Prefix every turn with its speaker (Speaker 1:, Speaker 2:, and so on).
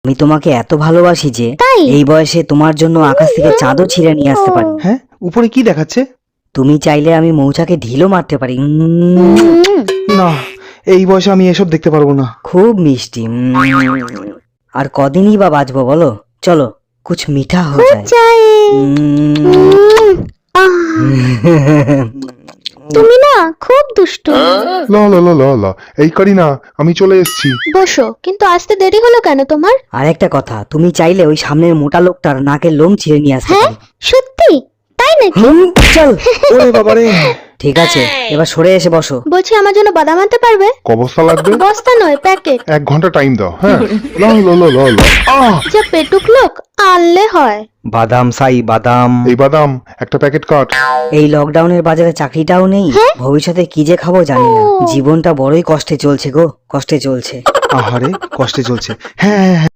Speaker 1: আমি তোমাকে এত ভালোবাসি যে
Speaker 2: তাই?
Speaker 1: এই বয়সে তোমার জন্য আকাশ থেকে চাঁদও ছিঁড়ে নিয়ে আসতে পারি।
Speaker 3: হ্যাঁ, উপরে কি দেখাচ্ছে?
Speaker 1: তুমি চাইলে আমি মৌচাকে ঢিলও মারতে পারি।
Speaker 3: না, এই বয়সে আমি এসব দেখতে পারবো না।
Speaker 1: খুব মিষ্টি। আর কদিনই বা বাঁচবো বলো? চলো কুছ মিঠা হো যায়।
Speaker 2: চাই। তুমি না খুব দুষ্ট।
Speaker 4: ল ল ল ল ল এই কারিনা, আমি চলে এসেছি।
Speaker 2: বসো, কিন্তু আসতে দেরি হলো কেন তোমার?
Speaker 1: আর একটা কথা, তুমি চাইলে ওই সামনের মোটা লোকটার নাকের লোম ছিঁড়ে নিয়ে আসতে
Speaker 2: হ্যাঁ,
Speaker 1: পারি।
Speaker 2: সত্যি? তাই নাকি?
Speaker 1: চল।
Speaker 3: ওরে বাবারে!
Speaker 1: ঠিক আছে, এবার সরে এসে বসো।
Speaker 2: বলছি আমার জন্য বাদাম আনতে পারবে?
Speaker 4: ক বস্তা লাগবে?
Speaker 2: বস্তা নয়, প্যাকেট।
Speaker 4: 1 ঘন্টা টাইম দাও। হ্যাঁ, ল ল ল ল ল।
Speaker 2: যা পেটুক লোক, আনলে হয়।
Speaker 3: বাদাম সাই বাদাম।
Speaker 4: এই বাদাম একটা প্যাকেট কাট।
Speaker 1: এই লকডাউনের বাজারে চাকরিটাও নেই, ভবিষ্যতে কি যে খাবো জানি না। জীবনটা বড়ই কষ্টে চলছে গো, কষ্টে চলছে।
Speaker 3: আহারে, কষ্টে চলছে। হ্যাঁ হ্যাঁ হ্যাঁ,